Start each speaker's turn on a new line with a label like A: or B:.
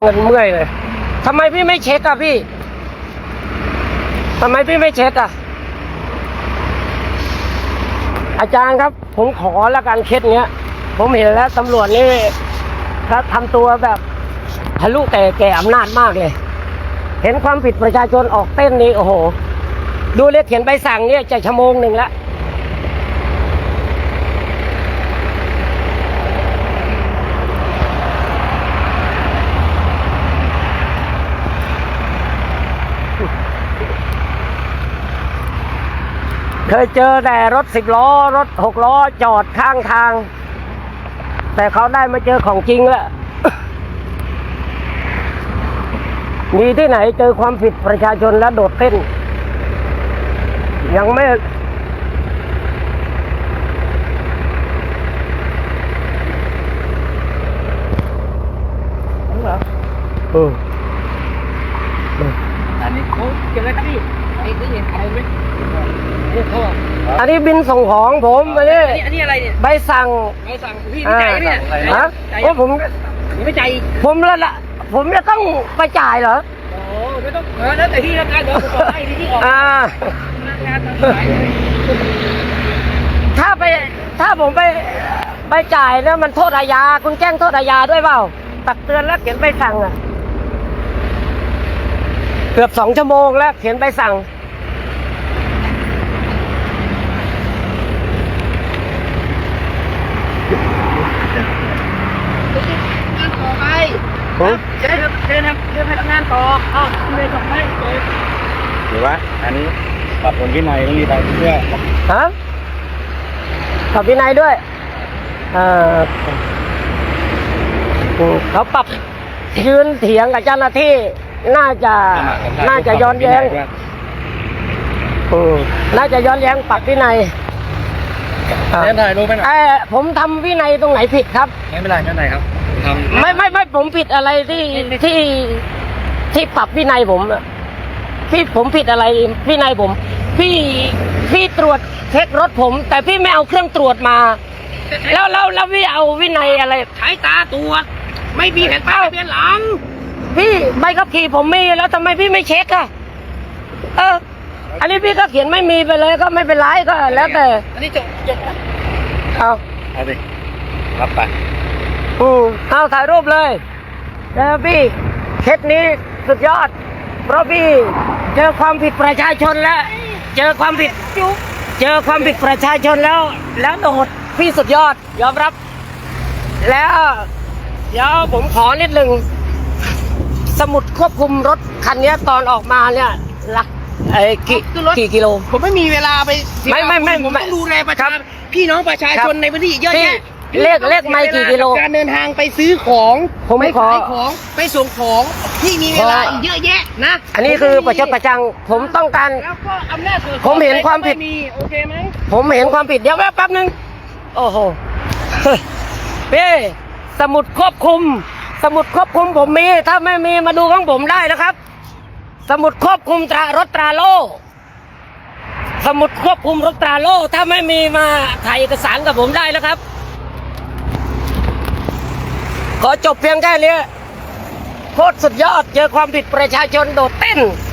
A: เมื่อยเลยทำไมพี่ไม่เช็คอะพี่ทำไมพี่ไม่เช็คอะอาจารย์ครับผมขอละกันเคสเนี้ยผมเห็นแล้วตำรวจนี่เขาทำตัวแบบทะลุแต่แก่อำนาจมากเลยเห็นความผิดประชาชนออกเต้นนี่โอ้โหดูเลยเขียนใบสั่งเนี่ยจะชั่วโมงหนึ่งแล้วเคยเจอแต่รถ10 ล้อรถ6 ล้อจอดข้างทางแต่เขาได้มาเจอของจริงแล้ว มีที่ไหนเจอความผิดประชาชนแล้วโดดเต้นยังไม่เหรอ
B: อันนี้เขาเก็บไว้ครับพี่ไอ้เห็นเขาไหมนี่เขา
A: อันนี้บินส่งของผมอัน
B: นี้อะไรเนี่ย
A: ใบสั่ง
B: พี่ไม่จ่ายเนี่ย
A: ฮะโอ้ผม
B: ไม่จ่าย
A: ผมแล้วล่ะผมจะต้องไปจ่ายเหรอ
B: โอ้ไม่ต้องแล้วแต่ที่ทำงานเดี๋ยวผมบอกให้ที่ออกงานต่าง
A: ๆถ้าผมไปจ่ายแล้วมันโทษอาญาคุณแจ้งโทษอาญาด้วยเปล่าตักเตือนแล้วเขียนใบสั่งอ่ะเกือบ2 ชั่วโมงแล้วเขียนใบสั่ง
B: งานต่อไปเดินพนักงานต่อเลยส่งให้
C: หรือว่าอันนี้ปรับผลวินัยต้องมีไปเพื่อ
A: ฮะปรับวินัยด้วยเขาปรับยืนเถียงกับเจ้าหน้าที่น่าจะย้อนแย้งน่าจะย้อนแย้งปรับวินัย
C: เล่นถ่ายรูปไหม
A: ผมทำวินัยตรงไหนผิดครับ
C: ไม่เป็นไรไม่เป็นไรครับ
A: ไม่ผมผิดอะไรที่ปรับวินัยผมผมผิดอะไรวินัยผมพี่ตรวจเช็ครถผมแต่พี่ไม่เอาเครื่องตรวจมาแล้วพี่เอาวินัยอะไร
B: ใช้ตาตรวจไม่มีแผ่นป้ายทะเบียนหลัง
A: พี่ใบขับขี่ผมมีแล้วทำไมพี่ไม่เช็คอะอันนี้พี่ก็เขียนไม่มีไปเลยก็ไม่เป็นไรก็แล้วแต่
B: อันนี้จบ
C: เอาดิรับไป
A: เอาถ่ายรูปเลยแล้วพี่เคสนี้สุดยอดเพราะพี่เจอความผิดประชาชนแล้วเจอความผิดประชาชนแล้วโดดพี่สุดยอดยอมรับแล้วเดี๋ยวผมขอนิดหนึ่งสมุดควบคุมรถคันนี้ตอนออกมาเนี่ยหลักกี่กิโล
B: ผมไม่มีเวลาไป
A: ไม่
B: ผมต้องดูแลประชาชนพี่น้องประชาชนในพื้นที่เยอะแยะ
A: เลขไม่กี่กิโล
B: การเดินทางไปซื้อของ
A: ไปขาย
B: ของไปส่งของที่มีเวลาเยอะแยะนะ
A: อันนี้คือประชดประชังผมต้องการ
B: แล้วก็อำนาจ
A: ผมเห็นความผิด
B: โอเคไหม
A: ผมเห็นความผิดเดี๋ยวแป๊บนึงโอ้โหพี่สมุดควบคุมผมมีถ้าไม่มีมาดูของผมได้นะครับสมุดควบคุมรถตราโล่สมุดควบคุมรถตราโล่ถ้าไม่มีมาถ่ายเอกสารกับผมได้นะครับขอจบเพียงแค่นี้โคตรสุดยอดเจอความผิดประชาชนโดดเต้น